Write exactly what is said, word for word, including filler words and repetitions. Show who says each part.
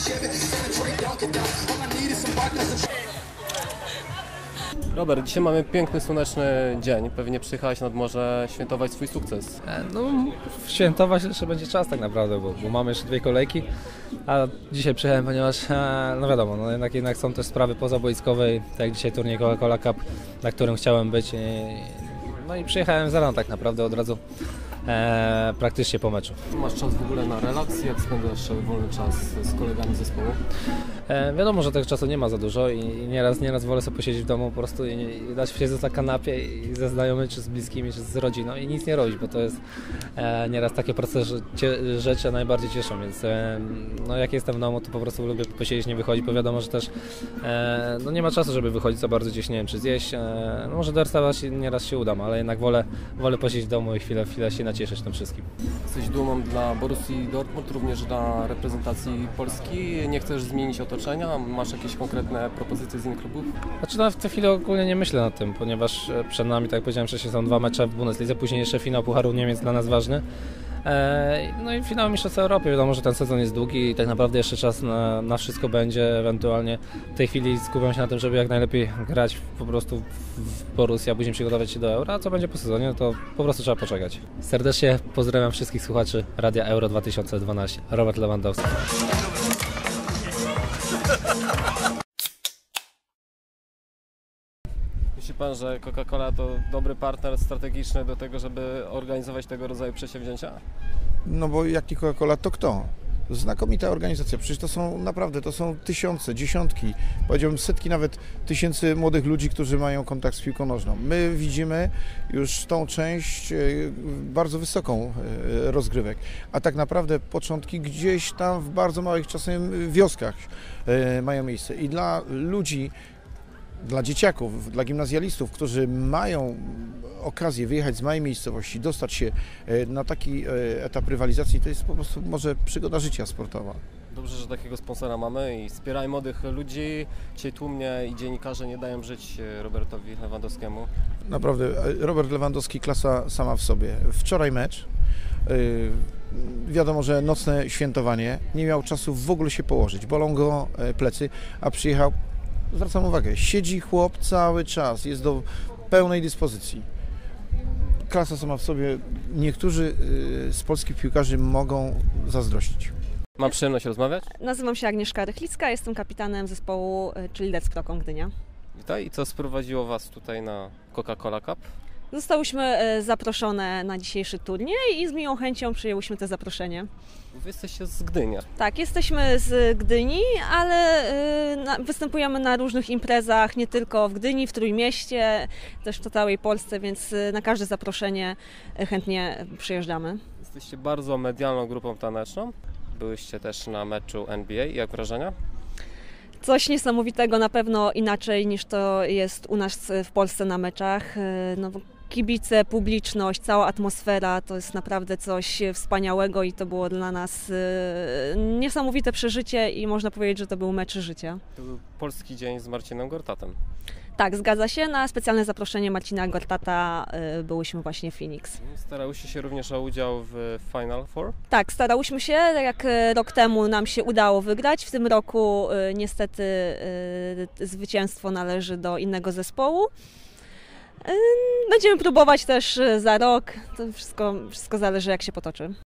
Speaker 1: Robert, dzisiaj mamy piękny, słoneczny dzień. Pewnie przyjechałeś nad morze świętować swój sukces.
Speaker 2: No, świętować jeszcze będzie czas tak naprawdę, bo, bo mamy jeszcze dwie kolejki, a dzisiaj przyjechałem, ponieważ, no wiadomo, no jednak, jednak są też sprawy pozaboiskowe, tak jak dzisiaj turniej Coca-Cola Cup, na którym chciałem być. I, no i przyjechałem za rano tak naprawdę od razu. E, praktycznie po meczu.
Speaker 1: Masz czas w ogóle na relaks? Jak spędzasz wolny czas z kolegami z zespołu?
Speaker 2: E, wiadomo, że tego czasu nie ma za dużo i, i nieraz, nieraz wolę sobie posiedzieć w domu po prostu i, i dać się na kanapie i ze znajomymi, czy z bliskimi, czy z rodziną i nic nie robić, bo to jest e, nieraz takie proste cie, rzeczy najbardziej cieszą, więc e, no, jak jestem w domu, to po prostu lubię posiedzieć, nie wychodzić, bo wiadomo, że też e, no, nie ma czasu, żeby wychodzić za bardzo gdzieś, nie wiem, czy zjeść. E, no, może do restauracji nieraz się udam, ale jednak wolę, wolę posiedzieć w domu i chwilę, chwilę się nacieszyć tym wszystkim.
Speaker 1: Jesteś dumą dla Borussii Dortmund, również dla reprezentacji Polski. Nie chcesz zmienić otoczenia? Masz jakieś konkretne propozycje z innych klubów?
Speaker 2: Znaczy no, w tej chwili ogólnie nie myślę nad tym, ponieważ przed nami, tak jak powiedziałem wcześniej, są dwa mecze w Bundeslidze, później jeszcze finał Pucharu Niemiec dla nas ważny. No i finał Mistrzostw Europy. Wiadomo, że ten sezon jest długi i tak naprawdę jeszcze czas na, na wszystko będzie. Ewentualnie w tej chwili skupiam się na tym, żeby jak najlepiej grać po prostu w Borussii, a później przygotować się do Euro. A co będzie po sezonie, to po prostu trzeba poczekać. Serdecznie pozdrawiam wszystkich słuchaczy Radia Euro dwa tysiące dwanaście. Robert Lewandowski.
Speaker 1: Myśli Pan, że Coca-Cola to dobry partner strategiczny do tego, żeby organizować tego rodzaju przedsięwzięcia?
Speaker 3: No bo jak nie Coca-Cola, to kto? Znakomita organizacja, przecież to są naprawdę, to są tysiące, dziesiątki, powiedziałbym setki nawet tysięcy młodych ludzi, którzy mają kontakt z piłką nożną. My widzimy już tą część bardzo wysoką rozgrywek, a tak naprawdę początki gdzieś tam w bardzo małych czasem wioskach mają miejsce i dla ludzi, dla dzieciaków, dla gimnazjalistów, którzy mają okazję wyjechać z małej miejscowości, dostać się na taki etap rywalizacji, to jest po prostu może przygoda życia sportowa.
Speaker 1: Dobrze, że takiego sponsora mamy i wspieraj młodych ludzi. Dzisiaj tłumnie i dziennikarze nie dają żyć Robertowi Lewandowskiemu.
Speaker 3: Naprawdę, Robert Lewandowski klasa sama w sobie. Wczoraj mecz, wiadomo, że nocne świętowanie, nie miał czasu w ogóle się położyć, bolą go plecy, a przyjechał. Zwracam uwagę, siedzi chłop cały czas, jest do pełnej dyspozycji. Klasa sama w sobie, niektórzy z polskich piłkarzy mogą zazdrościć.
Speaker 1: Mam przyjemność rozmawiać.
Speaker 4: Nazywam się Agnieszka Rychlicka, jestem kapitanem zespołu Childers Krokon Gdynia.
Speaker 1: Witaj, i co sprowadziło Was tutaj na Coca-Cola Cup?
Speaker 4: Zostałyśmy zaproszone na dzisiejszy turniej i z miłą chęcią przyjęłyśmy to zaproszenie.
Speaker 1: Wy jesteście z Gdynia.
Speaker 4: Tak, jesteśmy z Gdyni, ale występujemy na różnych imprezach, nie tylko w Gdyni, w Trójmieście, też w całej Polsce, więc na każde zaproszenie chętnie przyjeżdżamy.
Speaker 1: Jesteście bardzo medialną grupą taneczną. Byłyście też na meczu N B A. Jak wrażenia?
Speaker 4: Coś niesamowitego, na pewno inaczej niż to jest u nas w Polsce na meczach. No, kibice, publiczność, cała atmosfera to jest naprawdę coś wspaniałego i to było dla nas niesamowite przeżycie i można powiedzieć, że to był mecz życia.
Speaker 1: To był polski dzień z Marcinem Gortatem.
Speaker 4: Tak, zgadza się. Na specjalne zaproszenie Marcina Gortata byłyśmy właśnie w Phoenix.
Speaker 1: Starałyście się również o udział w Final Four?
Speaker 4: Tak, starałyśmy się. Jak rok temu nam się udało wygrać. W tym roku niestety zwycięstwo należy do innego zespołu. Będziemy próbować też za rok. To wszystko, wszystko zależy, jak się potoczy.